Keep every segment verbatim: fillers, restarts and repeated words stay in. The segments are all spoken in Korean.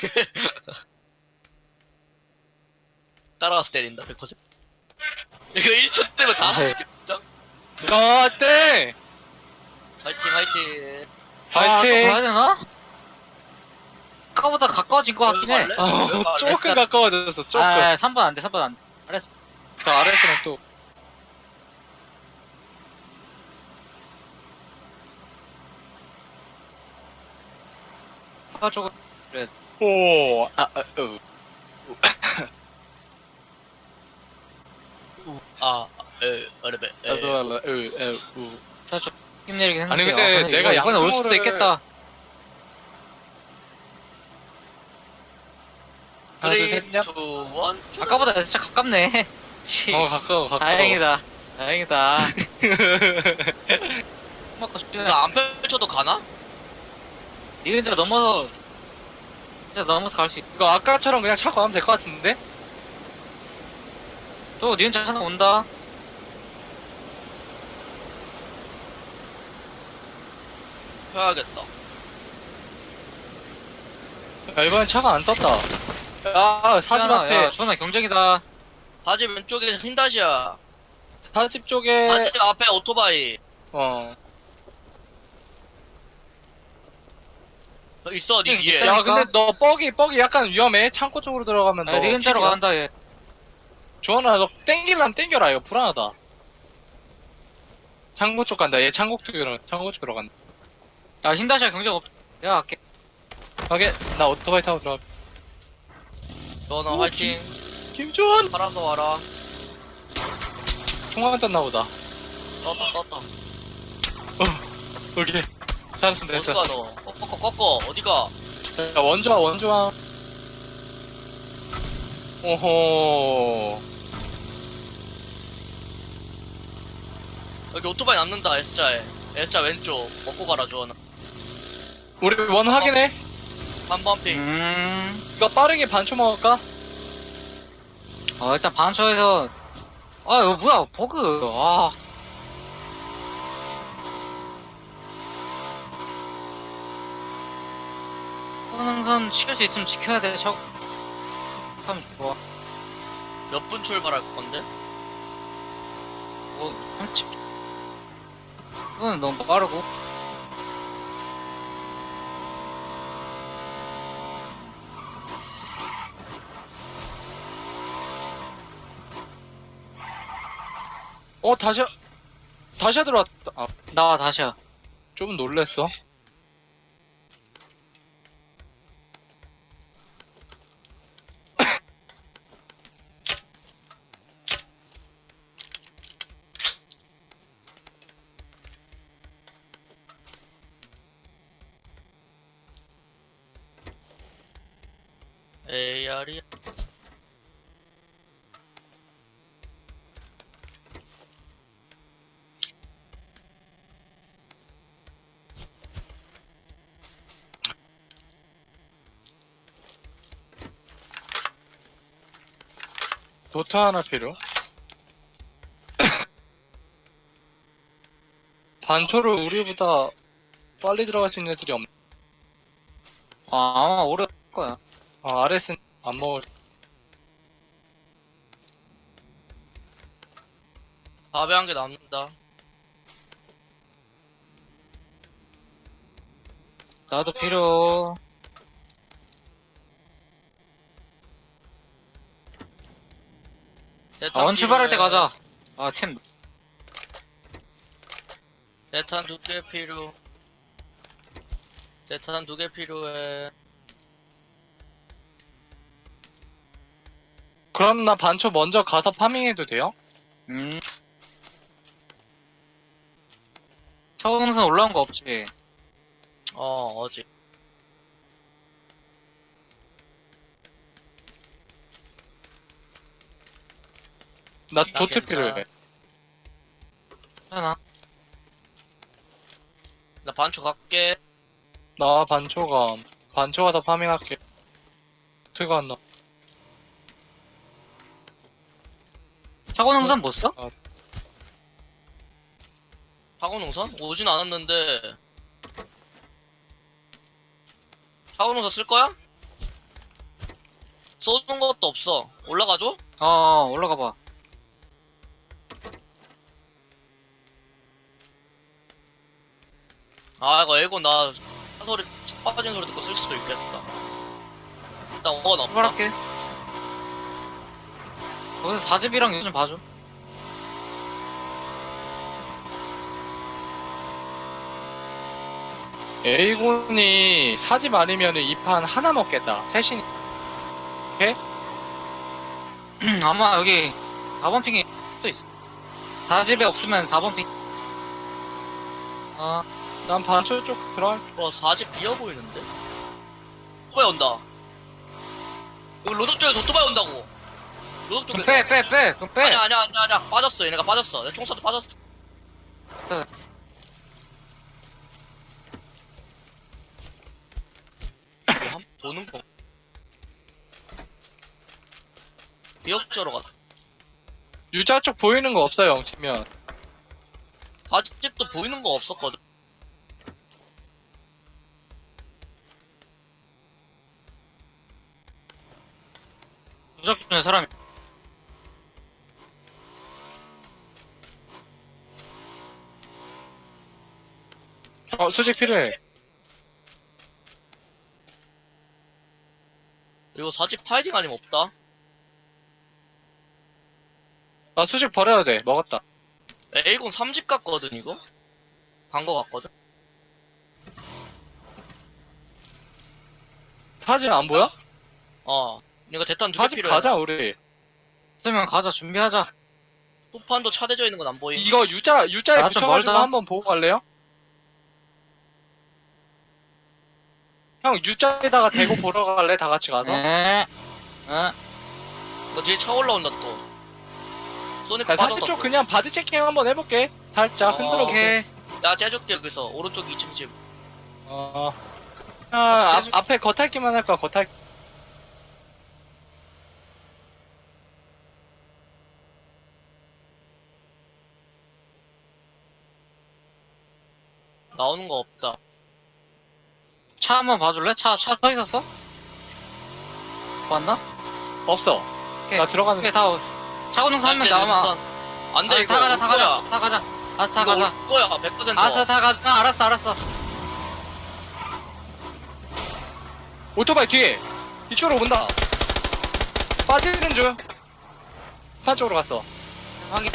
따라와서 때린다, 백 퍼센트. 이거 일 초 때면 다 아, 죽겠죠 아, 땡! 화이팅, 화이팅. 파이팅! 아, 또 가야 되나? 아까보다 가까워진 것 같긴 해. 갈래? 아, 왜 갈래? 조금 가까워졌어, 조금. 아, 삼 번 안 돼, 삼 번 안 돼. 알았어. 저 아래에서는 또. 아, 저거. 오, 아, 아, 으. 아, 에, 어레베. 에. 나도 알라, 으, 으, 우. 자, 저 힘내리긴 했는데. 아니, 근데 아, 내가 이거 이번에 올 수도 양초를- 있겠다. 하나, 둘, 셋, 쓰리, 얍. 투, 일. 아까보다 진짜 가깝네. 치. 어, 가까워, 가까워. 다행이다. 다행이다. 맞고 싶지 이거 안 펼쳐도 가나? 니은자 넘어서 진짜 넘어서 갈 수 있. 이거 아까처럼 그냥 차고 하면 될 것 같은데? 또 니은자 하나 온다. 해야겠다. 야, 이번엔 차가 안 떴다. 아, 사집 주원아, 앞에, 야, 주원아 경쟁이다. 사집 왼쪽에 흰다시야. 사집 쪽에, 사집 앞에 오토바이. 어. 어, 있어, 니 뒤에. 있다니까? 야, 근데 너 뻑이, 뻑이 약간 위험해. 창고 쪽으로 들어가면 너. 아, 니은자로 킬이야. 간다 얘. 주원아, 너 땡길라면 땡겨라. 이거 불안하다. 창고 쪽 간다. 얘 창고 쪽으로, 창고 쪽으로 간다. 야, 흰다시아 경쟁 없. 내가 갈게. 오케이, 나 오토바이 타고 들어가. 전화 오, 화이팅. 김주원! 팔아서 와라. 통화만 떴나 보다. 떴다, 떴다. 오케이. 잘했어, 됐어. 어디가 너? 꺾어, 꺾어. 어디가? 야, 원조와, 원조와. 오호. 여기 오토바이 남는다, S자에. S자 왼쪽. 먹고 가라, 주원아. 우리 원 확인해. 삼 번 핑. 음. 이거 빠르게 반초 먹을까? 어, 일단 반초에서. 아, 이거 뭐야, 버그. 아. 항상 지킬 수 있으면 지켜야 돼. 저. 참 좋아. 몇 분 출발할 건데? 뭐, 삼십. 이건 너무 빠르고. 어, 다시, 다시 들어왔다. 아, 나와, 다시야. 좀 놀랬어. 에이알이야. 도트 하나 필요. 반초를 우리보다 빨리 들어갈 수 있는 애들이 없네. 아, 아마 오래 할 거야. 아, 아레스는 안 먹을. 밥에 한 개 남는다. 나도 필요. 아, 원 출발할 때 가자. 아, 템. 대탄 두 개 필요. 대탄 두 개 필요해. 그럼 나 반초 먼저 가서 파밍해도 돼요? 음. 차원선 올라온 거 없지? 어, 어지. 나 나 도트 괜찮아. 필요해. 하나. 나 반초 갈게. 나 반초가, 반초가 다 파밍할게. 도트가 안 나. 차원선 못 써? 파고농선? 오진 않았는데. 파고농선 쓸 거야? 쏘는 것도 없어. 올라가줘? 어, 올라가 봐. 아, 이거 에고 나 소리, 차 빠진 소리 듣고 쓸 수도 있겠다. 일단 원 없다. 출발할게. 거기서 사집이랑 요즘 봐줘. 에이곤이 사집 아니면 이 판 하나 먹겠다. 셋이. 아마 여기 사 번 핑에 또 있어. 사집에 없으면 사 번 핑. 아, 난 반초 쪽 들어갈. 와, 사집 비어 보이는데? 오토바이 온다. 여기 로드 쪽에서 오토바이 온다고. 로드 그럼 쪽에서. 빼, 빼, 빼. 그럼 빼. 아니야, 아니야, 아니야, 아니야. 빠졌어. 얘네가 빠졌어. 내 총사도 빠졌어. 자, 이거 한 도는 거. 기억자로 갔다. 유자 쪽 보이는 거 없어요, 영팀면. 사집도 보이는 거 없었거든. 무작정에 사람이. 어, 수직 필요해. 그리고 사집 파이팅 아니면 없다. 나 수직 버려야 돼. 먹었다. 에이곤 삼 집 갔거든, 이거? 간 거 같거든? 사집 안 보여? 어. 이거 대탄 두 개 사집 필요해. 가자, 우리. 없으면 가자, 준비하자. 후판도 차대져 있는 건 안 보임. 이거 유자, 유자에 아, 좀 붙여가지고 멀다. 한번 보고 갈래요? 형, 유자에다가 대고 보러 갈래? 다 같이 가서? 네. 네. 너 뒤에 차 올라온다, 또. 쏘니까 야, 사집 빠졌다. 쪽 또. 그냥 바디 체킹 한번 해볼게. 살짝 어. 흔들어 볼게. 오케이. 야, 째줄게, 여기서. 오른쪽 이 층 집. 어. 아, 앞, 진짜 앞에 겉핥기만 할 거야, 겉핥기. 나오는 거 없다. 차 한번 봐줄래? 차, 차 서 있었어? 봤나? 없어. 오케이. 나 들어가는 오케이, 다, 차고농사 한 명 남아. 안 돼, 아니, 이거. 다 가자, 올 다 거야. 가자, 다 가자. 알았어, 다 이거 가자. 올 거야, 백 퍼센트. 알았어, 다 가자. 아, 알았어, 알았어. 오토바이 뒤에. 이쪽으로 온다. 빠지는 중. 판 쪽으로 갔어. 확인.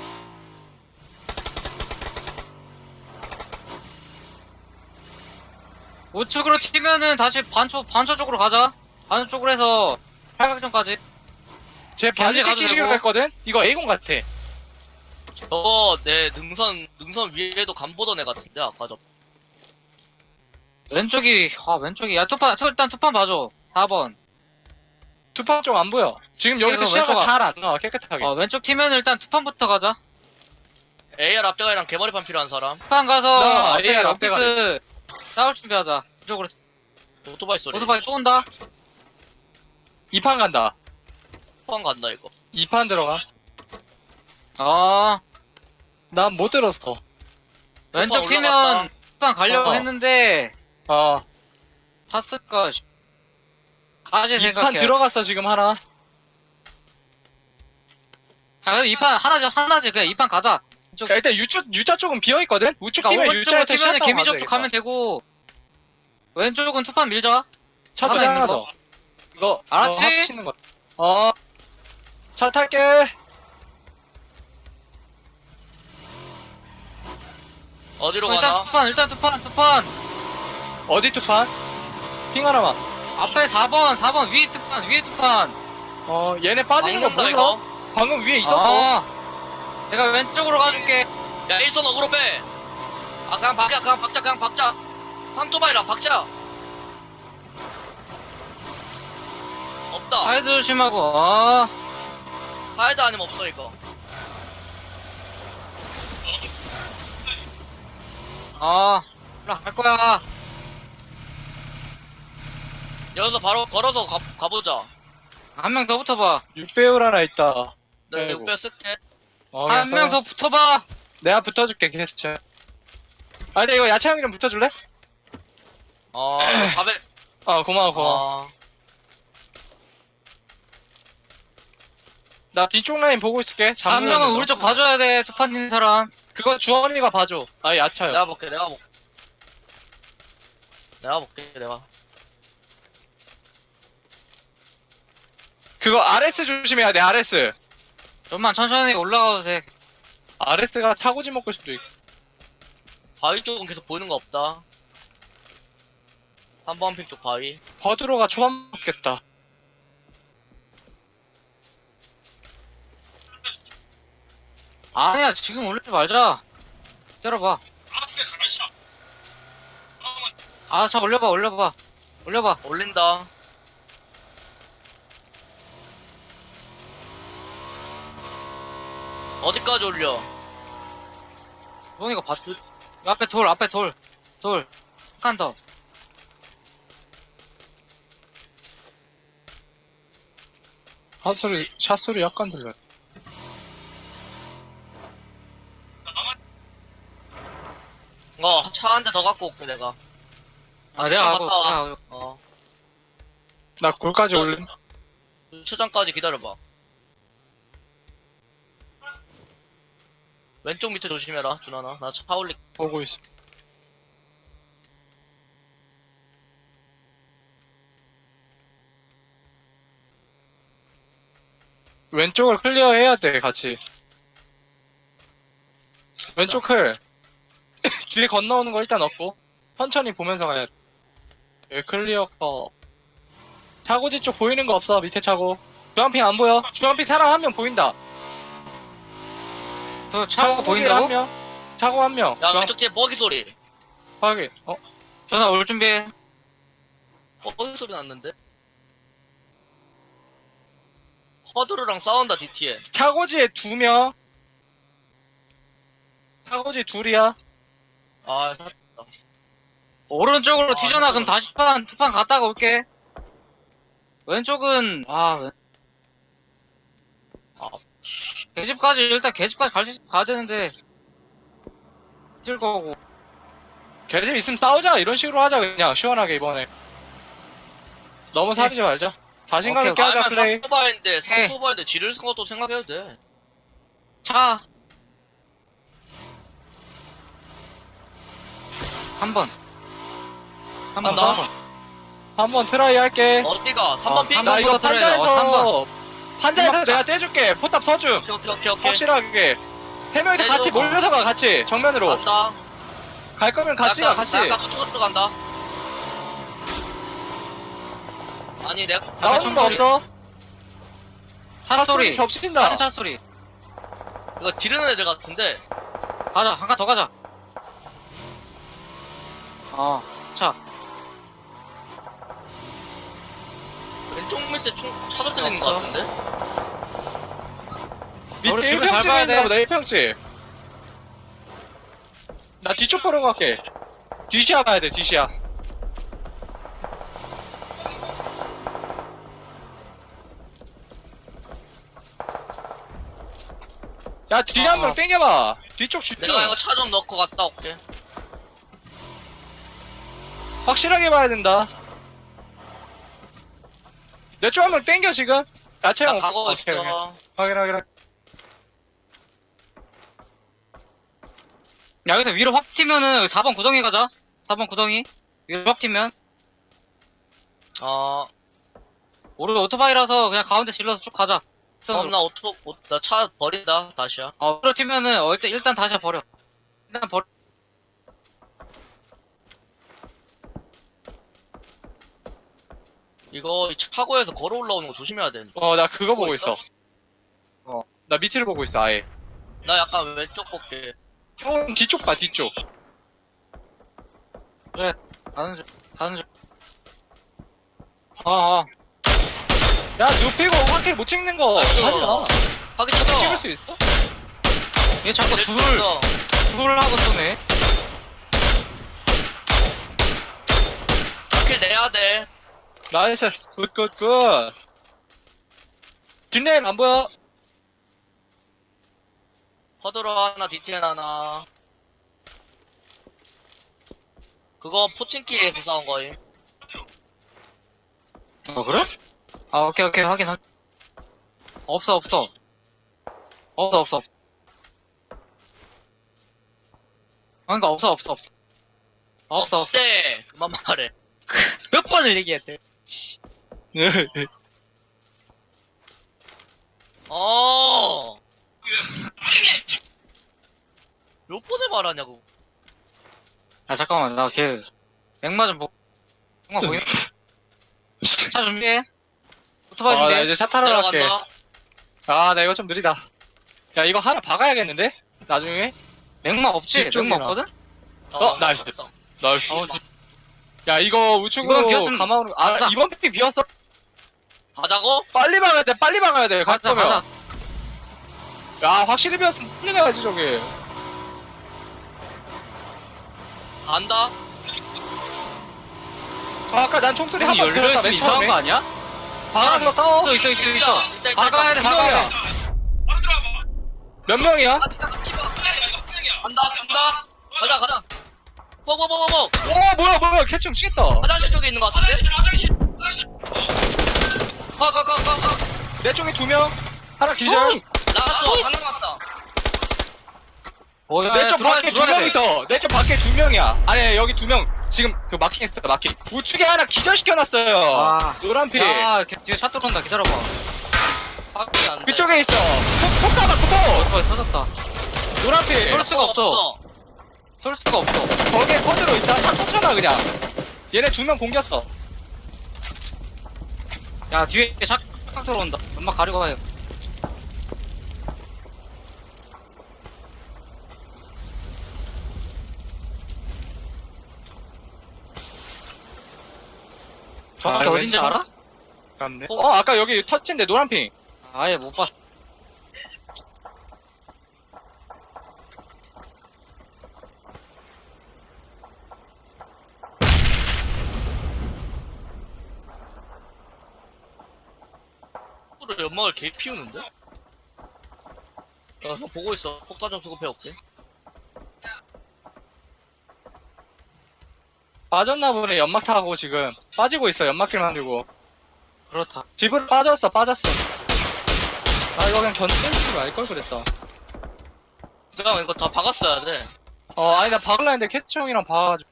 우측으로 튀면은 다시 반초, 반초 쪽으로 가자. 반초 쪽으로 해서 팔각정까지. 제 바디 가도 체킹식으로 되고. 갔거든? 이거 에이곤 같아. 저거, 내 능선, 능선 위에도 간 보던 애 같은데, 아까 저. 왼쪽이, 아, 왼쪽이. 야, 투판, 투- 일단 투판 봐줘. 사 번. 투판 쪽 안 보여. 지금 여기서 그래서 시야가 왼쪽 잘 안 나와, 깨끗하게. 어, 왼쪽 튀면 일단 투판부터 가자. 에이알 앞대가리랑 개머리판 필요한 사람. 투판 가서 나 앞에 에이알 럭비스 싸울 준비하자. 이쪽으로. 오토바이 소리. 오토바이 또 온다. 이 판 간다. 후판 간다, 이거. 이 판 들어가. 어, 난 못 들었어. 왼쪽 올라갔다. 튀면 투판 가려고 어. 했는데, 어. 탔을까? 씨. 다시 이 판 생각해. 들어갔어, 지금 하나. 자, 그럼 이 판 하나죠, 하나지. 그냥 이 판 가자. 쪽, 자, 일단 유자, 유자 쪽은 비어있거든? 우측 그러니까 팀에 오른쪽으로 유자에서 튀면 시야타고 개미적 쪽 가면 되고, 왼쪽은 투판 밀자. 차 소리 하나 하나 있는 더. 이거, 알았지? 이거 합치는 거. 어. 차 탈게. 어디로 어, 일단 가나? 투판, 일단 투판, 투판. 어디 투판? 핑 하나만. 앞에 사 번, 사 번, 위에 투판, 위에 투판. 어, 얘네 빠지는 거 막는다, 몰라? 이거. 방금 위에 있었어. 아, 내가 왼쪽으로 가줄게. 야, 일선 어그로 빼! 아, 그냥 박자, 그냥 박자, 그냥 박자! 삼토바이랑 박자! 없다. 사이드 조심하고, 어. 하이드 아니면 없어, 이거. 어, 올라갈 거야. 여기서 바로 걸어서 가, 가보자. 한 명 더 붙어봐. 육 배율 하나 있다. 내가 아이고. 육 배 쓸게. 어, 한 명 더 붙어봐. 내가 붙어줄게, 계속. 아, 근데 이거 야채 형이 좀 붙어줄래? 어, 사백. 어, 고마워, 고마워. 어, 나 뒤쪽 라인 보고 있을게. 한 잠그고 명은 있는 우리 거. 쪽 봐줘야 돼. 투판 있는 사람. 그거 주원이가 봐줘. 아 야차요. 내가 볼게 내가 볼게 내가 볼게 내가 그거 아르에스 조심해야 돼. 아르에스. 좀만 천천히 올라가도 돼. 아르에스가 차고지 먹을 수도 있고. 바위 쪽은 계속 보이는 거 없다 삼 번 핑 쪽 바위 버드로가 초반 먹겠다. 아니야, 지금 올리지 말자. 때려봐. 아, 자, 올려봐, 올려봐. 올려봐. 올린다 어디까지 올려 노니가 봐줘. 앞에 돌, 앞에 돌. 돌. 한 칸 더. 샷소리 샷소리 약간 들려. 어 차 한 대 더 갖고 올게 내가 아, 내가 주차장 하고. 갔다 와. 내가 어 나 골까지 올림. 주차장까지 기다려봐 왼쪽 밑에 조심해라 준하나 나 차 올리 보고 있어. 왼쪽을 클리어해야 돼 같이. 왼쪽 클. 뒤에 건너오는 거 일단 없고 천천히 보면서 가야 돼. 여기 클리어 거. 차고지 쪽 보이는 거 없어. 밑에 차고. 주한핑 안 보여. 주한핑 사람 한 명 보인다. 저 차가 차고지에 한 보인다고? 명. 차고 한 명. 야 주한- 왼쪽 뒤에 버기 소리 확인. 어? 전화 올 준비해. 버기 소리 났는데 허드르랑 싸운다 디티에 차고지에 두 명. 차고지 둘이야. 아 사- 오른쪽으로 아, 튀잖아. 그럼 잠깐만. 다시 판, 투판 갔다가 올게. 왼쪽은, 아, 왼... 아, 계집까지, 일단 계집까지 갈 수, 있- 가야 되는데. 찔 거고. 걔들 있으면 싸우자. 이런 식으로 하자. 그냥 시원하게 이번에. 너무 사리지 말자. 자신감 오케이, 있게 하자. 아니면 플레이. 삼토바인데 해. 삼토바인데 지를 쓴 것도 생각해도 돼 차. 한 번. 한 번, 간다. 한 번. 한번 트라이 할게. 어디가 삼 번 어, 핑? 삼 나 번 이거 부터 들어야 돼. 어, 삼 판자에서 판자에서 삼 번 내가 떼줄게. 포탑 서줌. 오케이 오케이 오케이 오케이 확실하게. 세 명이서 떼줘. 같이 몰려서 가. 같이 정면으로. 간다 갈 거면 같이 가. 약간, 같이. 약간 우측으로 간다 아니 내가 나오는 거 없어. 차 소리. 겹친다. 다른 차 소리. 이거 지르는 애들 같은데 가자. 한 칸 더 가자. 어, 차. 왼쪽 밑에 총 차도 들리는 거 없어. 같은데 밑에 우리 주변 잘 일 평집에 봐야 있나 돼. 보다. 일 평집. 나 뒤쪽 보러 갈게. 뒤시야 가야 돼. 뒤시야. 야 뒤에 한 명 아. 땡겨봐. 뒤쪽 집중. 내가 이거 차 좀 넣고 갔다 올게 확실하게 봐야 된다. 내 쪽 한 명 땡겨 지금. 야채 나 형. 가고 오케이, 있어 오케이. 확인 확인. 확인. 야, 여기서 위로 확 튀면은 사 번 구덩이 가자. 사 번 구덩이. 위로 확 튀면. 어 우리 오토바이라서 그냥 가운데 질러서 쭉 가자. 그럼 나 오토 나 차 버린다 다시야 어, 위로 튀면은 어, 일단, 일단 다시 버려. 일단 버려. 이거 이 차고에서 걸어 올라오는 거 조심해야 돼. 어 나 그거 보고 보고 있어. 있어? 어. 나 밑을 보고 있어 아예. 나 약간 왼쪽 볼게. 형 뒤쪽 봐 뒤쪽. 가는 중, 가는 중. 어, 어. 야 눕히고 확킬 못 찍는 거 아이고. 하지마. 하기 싫어. 찍을 수 있어? 얘 자꾸 둘, 있어. 둘 하고 쏘네. 킬 내야 돼. 나이스. 굿굿굿. 뒷레인 안 보여? 허드로 하나, 디티엔 하나. 그거 포칭키에서 싸운 거임. 어, 그래? 아, 오케이, 오케이, 확인, 확인. 없어, 없어. 없어 없어 없어. 그러니까 없어 없어 없어. 없어 없어. 네 그만 말해. 몇 번을 얘기해야 돼. 어. 몇 번을 말하냐고. 아 잠깐만 나 걔 맥마 좀 보. 맥마 보이나? 차 준비해. 오토바이 아, 나 준비해. 이제 차 타러 갈게. 내려간다. 아, 나 이거 좀 느리다. 야, 이거 하나 박아야겠는데? 나중에? 맥마 없지? 뒤쪽이나. 맥마 없거든? 어, 나이스. 맞다. 나이스. 어, 저- 야, 이거 우측으로 이번 비었으면 감아오는 거. 아, 가자. 이번 픽 비었어. 가자고? 빨리 박아야 돼, 빨리 박아야 돼. 갈 가자 거면. 가자. 야, 확실히 비었으면 빨리 가야지, 저기. 간다. 아, 아까 난 총소리 문이 한번 들었다, 열려있으면 맨 이상한 처음에. 거 아니야? 박아는 거 따워. 있어 있어 있어 있어. 있다, 있다, 있다, 박아야 돼 있다. 박아야 돼. 몇 명이야? 아, 티가 티가. 간다 간다. 가자 가자. 뽀뽀뽀뽀뽀. 오, 뭐야, 뭐야, 캐칭 치겠다. 화장실 쪽에 있는 것 같은데? 가 가 가 가 가. 내 쪽에 두 명. 하나 기절. 나갔어. 하나 남았다. 어, 야, 내 야, 쪽 들어와야 밖에 돼, 두 들어와야 명 돼. 있어. 내 쪽 밖에 두 명이야. 아니, 여기 두 명. 지금 그 마킹 했어, 마킹. 우측에 하나 기절시켜놨어요. 아. 노란 피. 야, 걔 뒤에 차 들어온다. 기다려봐. 확인 안 돼. 그쪽에 있어. 폭, 폭 가봐, 폭. 어, 터졌다. 노란 피. 쏠 수가 없어. 쏠 수가 없어. 거기에 코드로 있다. 차 쳤잖아, 그냥. 얘네 두 명 공겼어. 야, 뒤에 샷 들어온다. 연막 가리고 가요. 정확히 아, 어딘지 왼쪽? 알아? 맞네. 어, 아까 여기 터치인데, 노란 핑. 아예 못 봤어. 로 연막을 개 피우는데? 야, 형 보고 있어. 폭탄 좀 수급해 올게. 빠졌나 보네, 연막 타고 지금. 빠지고 있어, 연막길 만들고. 그렇다. 집으로 빠졌어, 빠졌어. 아, 이거 그냥 견딜지 말걸 그랬다. 형 이거 다 박았어야 돼. 어, 아니, 나 박을라 했는데 캐치 형이랑 봐가지고.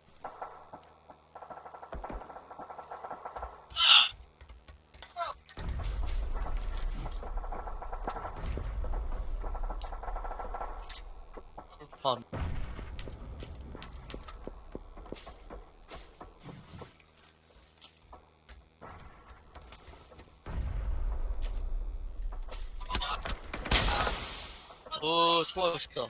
반. 어, 좋아, 멋있다.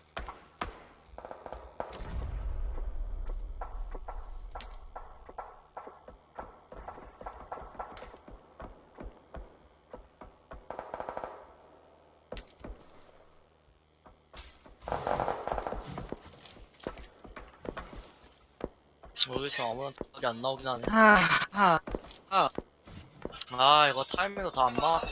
여기서 아무런 답이 안 나오긴 하네. 아, 아. 아, 이거 타이밍도 다 안 맞.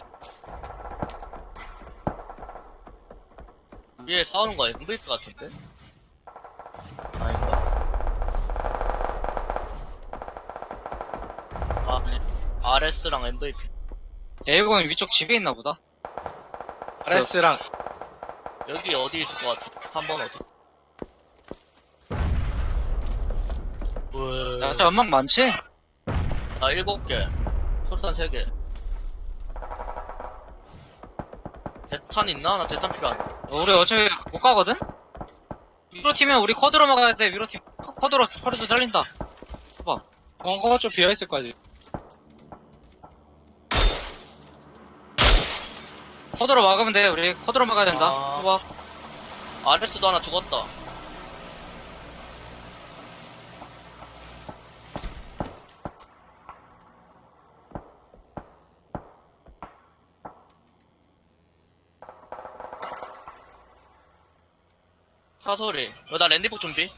위에 싸우는 거 엠브이피 같은데? 아닌가? 아, 네. 알에스랑 엠브이피. 에이건 위쪽 집에 있나 보다. 아레스랑. 여기 어디 있을 것 같아? 한 번 어디? 왜? 야, 진짜 연막 많지? 나 일곱 개. 솔탄 세 개. 대탄 있나? 나 대탄 필요 안. 우리 어차피 못 가거든? 위로 팀면 우리 쿼드로 막아야 돼, 위로 팀. 쿼드로, 쿼드로 잘린다. 봐봐. 벙커가 좀 비어있을 거지. 쿼드로 막으면 돼, 우리. 쿼드로 막아야 된다. 아. 봐봐. 아레스도 하나 죽었다. 사소리. 어, 나 랜디폭 준비.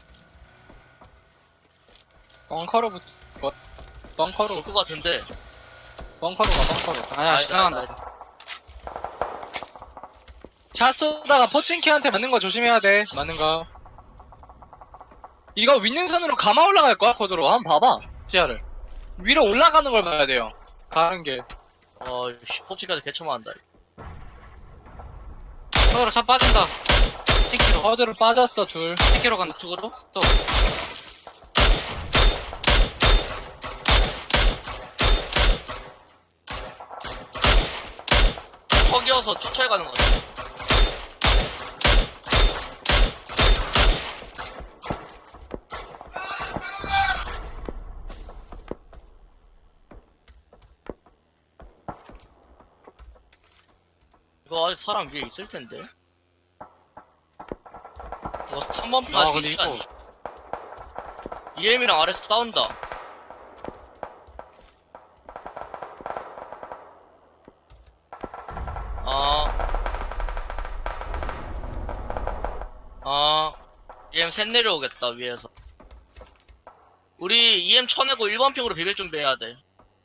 벙커로 붙, 뭐, 벙커로, 올 것 같은데. 벙커로 가, 벙커로. 아니야, 아니다, 지나간다. 아니다. 차 쏘다가 포칭키한테 맞는 거 조심해야 돼. 맞는 거. 이거 윈능선으로 감아 올라갈 거야, 코드로. 한번 봐봐. 시야를. 위로 올라가는 걸 봐야 돼요. 가는 게. 어, 씨, 포치까지 개처만 한다. 서로 차 빠진다. 십 킬로. 허드로 빠졌어 둘. 십 킬로 간다. 우측으로? 또. 턱이어서 쫓아야 가는 거 같아. 이거 아직 사람 위에 있을 텐데. 이거 삼 번 피 아, 아직 근데 있지 이거. 않니? 이엠이랑 아래서 싸운다. 아. 아. 이엠 셋 내려오겠다, 위에서. 우리 이엠 쳐내고 일 번 핑으로 비빌 준비해야 돼.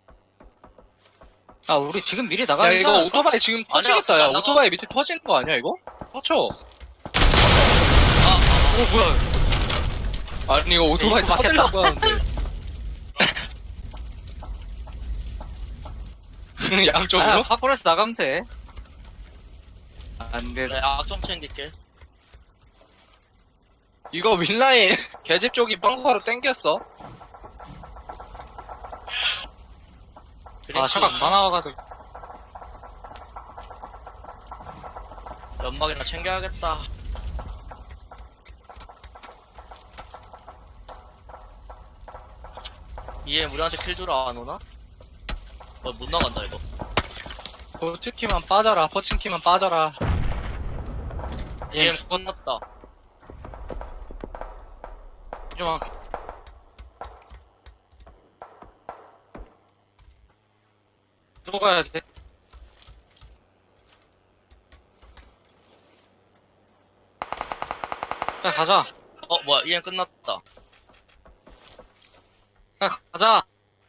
아, 우리 지금 미리 야 나가야 이거 되잖아. 오토바이 지금 아니야, 터지겠다. 야 안 나가. 오토바이 밑에 터지는 거 아니야 이거? 터쳐. 아, 아, 오, 뭐야. 아니 이거 오토바이 이거 터뜨리려고 하는데. 아, 양쪽으로? 파쿠레스 나가면 돼. 안 돼. 그래, 악좀 챙길게. 이거 윈라인 계집 쪽이 벙커로 땡겼어. 아, 샤각 다 나와가지고. 연막이나 챙겨야겠다. 이엠 우리한테 킬 주러 안 오나? 어, 못 나간다, 이거. 도트키만 빠져라. 퍼칭키만 빠져라. 이엠 이엠 죽었났다. 좀 들어가야 돼. 야, 가자. 어, 뭐야, 이엠 끝났다. 야, 가자.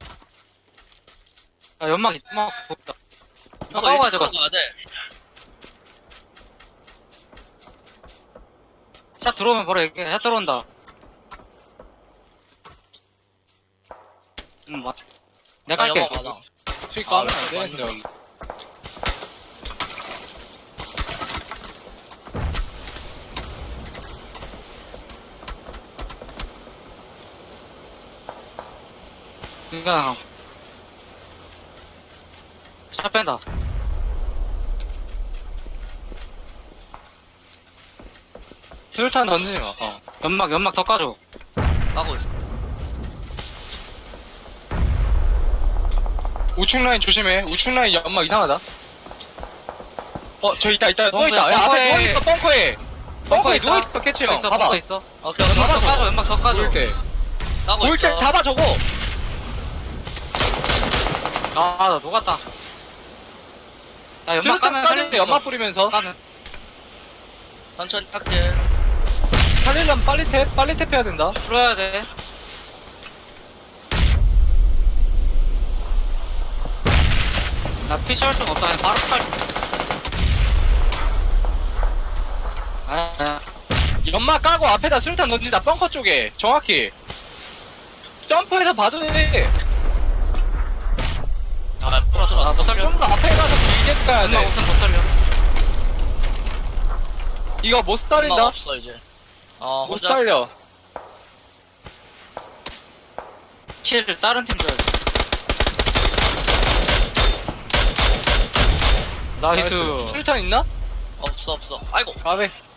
야, 연막, 연막, 보다. 이거 까고 일찍 가자. 가야 돼. 샷 들어오면 바로 얘기해. 샷 들어온다. 응, 맞. 내가 아, 할게. 연막 많아. 수익 까면 아, 안 되는데. 맞네. 그니까. 샷 뺀다. 수류탄 던지지 마. 어. 연막, 연막 더 까줘. 까고 있어. 우측 라인 조심해. 우측 라인 연막 이상하다. 어, 저 있다, 있다, 벙커에, 누워있다. 야, 앞에 벙커에. 누워있어, 벙커에. 벙커에 벙커에 있다. 누워있어, 캐치 형. 있어, 봐봐. 벙커 있어. 오케이, 연막 오케이. 더 까줘, 연막 더 까줘. 보일 때. 까고 보일 있어. 때 잡아, 저거. 아, 나 녹았다. 나 연막 수류탄 까면 까는데 살릴 연막 뿌리면서. 까면. 천천히 할게. 살리려면 빨리 탭, 빨리 탭해야 된다. 풀어야 돼. 나 피치할 순 없다. 그냥 바로 팔. 아, 아. 연막 까고 앞에다 수류탄 던진다, 벙커 쪽에. 정확히. 점프해서 봐도 돼. 아, 풀어, 들어. 아, 못 살려. 좀 더 앞에 가서 길게 가야 연막 돼. 없으면 못 살려. 이거 못 연막 살린다. 없어, 이제. 어, 못 혼자. 살려. 킬을 다른 팀 줘야 돼. 나이스. 수류탄 있나? 없어, 없어. 아이고. 가베.